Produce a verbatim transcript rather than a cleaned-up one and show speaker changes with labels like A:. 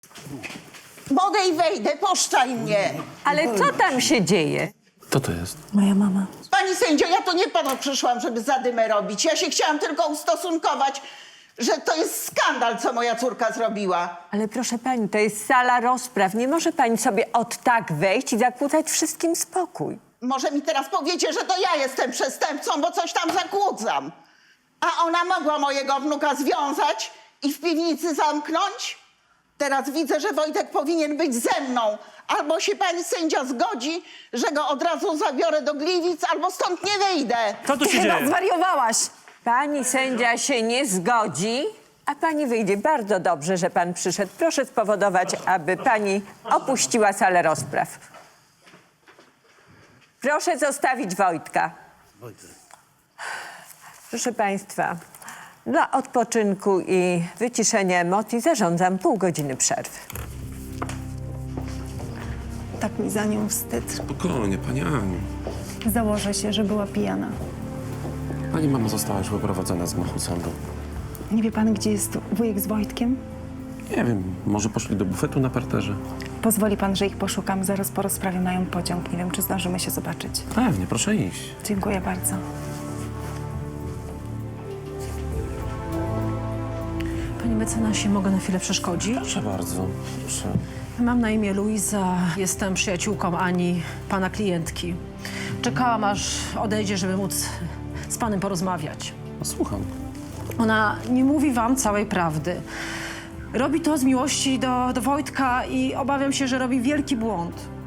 A: Mogę i wejdę, puszczaj mnie.
B: Ale co tam się dzieje?
C: Kto to jest?
D: Moja mama.
A: Pani sędzio, ja to nie panu przyszłam, żeby zadymę robić. Ja się chciałam tylko ustosunkować, że to jest skandal, co moja córka zrobiła.
B: Ale proszę pani, to jest sala rozpraw. Nie może pani sobie od tak wejść i zakłócać wszystkim spokój.
A: Może mi teraz powiecie, że to ja jestem przestępcą, bo coś tam zakłócam. A ona mogła mojego wnuka związać i w piwnicy zamknąć? Teraz widzę, że Wojtek powinien być ze mną. Albo się pani sędzia zgodzi, że go od razu zabiorę do Gliwic, albo stąd nie wyjdę.
E: Co tu się
D: Chyba
E: dzieje?
D: zwariowałaś.
B: Pani sędzia się nie zgodzi, a pani wyjdzie. Bardzo dobrze, że pan przyszedł. Proszę spowodować, aby pani opuściła salę rozpraw. Proszę zostawić Wojtka. Proszę państwa, dla odpoczynku i wyciszenia emocji zarządzam pół godziny przerwy.
D: Tak mi za nią wstyd.
C: Spokojnie, pani Aniu.
D: Założę się, że była pijana.
C: Pani mama została już wyprowadzona z gmachu sądu.
D: Nie wie pan, gdzie jest wujek z Wojtkiem?
C: Nie wiem, może poszli do bufetu na parterze?
D: Pozwoli pan, że ich poszukam. Zaraz po rozprawie mają pociąg. Nie wiem, czy zdążymy się zobaczyć.
C: Pewnie, proszę iść.
D: Dziękuję bardzo.
F: Panie mecenasie, mogę na chwilę przeszkodzić?
C: Proszę bardzo, proszę.
F: Mam na imię Luiza, jestem przyjaciółką Ani, pana klientki. Czekałam, aż odejdzie, żeby móc z panem porozmawiać.
C: No, słucham.
F: Ona nie mówi wam całej prawdy. Robi to z miłości do, do Wojtka i obawiam się, że robi wielki błąd.